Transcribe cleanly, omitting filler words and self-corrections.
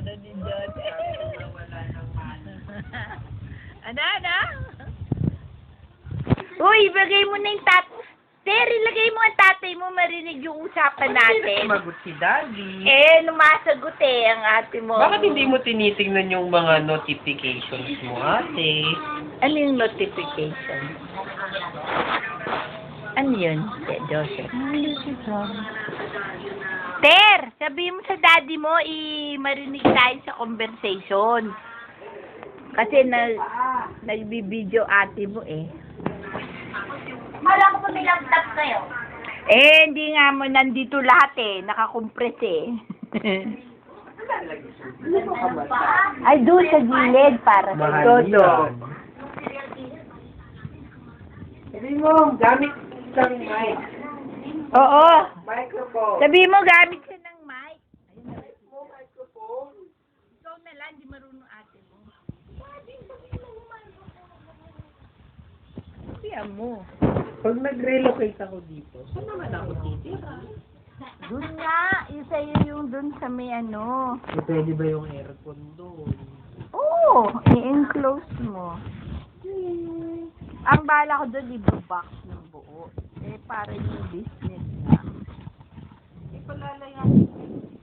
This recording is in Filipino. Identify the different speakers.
Speaker 1: ano ni John.
Speaker 2: Wala nang ano.
Speaker 1: Ano? Uy, ibigay mo na yung Ter, ilagay mo ang tatay mo, marinig yung usapan natin.
Speaker 2: Sumagot si Daddy.
Speaker 1: Lumasagot ang ate mo.
Speaker 2: Bakit hindi mo tinitingnan yung mga notifications mo, ate?
Speaker 1: Ano yung notification? Ano yun, Joseph? Ter, sabihin mo sa daddy mo, marinig tayo sa conversation. Kasi nagbibideo ate mo eh.
Speaker 3: Kala ko pa may laptop kayo.
Speaker 1: Hindi nga mo nandito lahat eh. Nakakompress eh. Ay, doon sa gilid para sa
Speaker 2: Mahal
Speaker 1: todo.
Speaker 2: yan. Sabi mo, gamit ng mic.
Speaker 1: Oo.
Speaker 2: Microphone.
Speaker 1: Sabi mo, gamit siya ng mic.
Speaker 2: Microphone.
Speaker 1: Ikaw na lang, di marunong ate mo. Sabihan mo.
Speaker 2: Pag nag-relocate ako dito, saan naman ako titira?
Speaker 1: Doon nga, yung sa'yo yung doon sa may ano.
Speaker 2: Pwede ba yung aircon doon?
Speaker 1: Oo, i-enclose mo. Ang bala ko doon, i-box ng buo. Para yung business na.
Speaker 2: Ipalala yung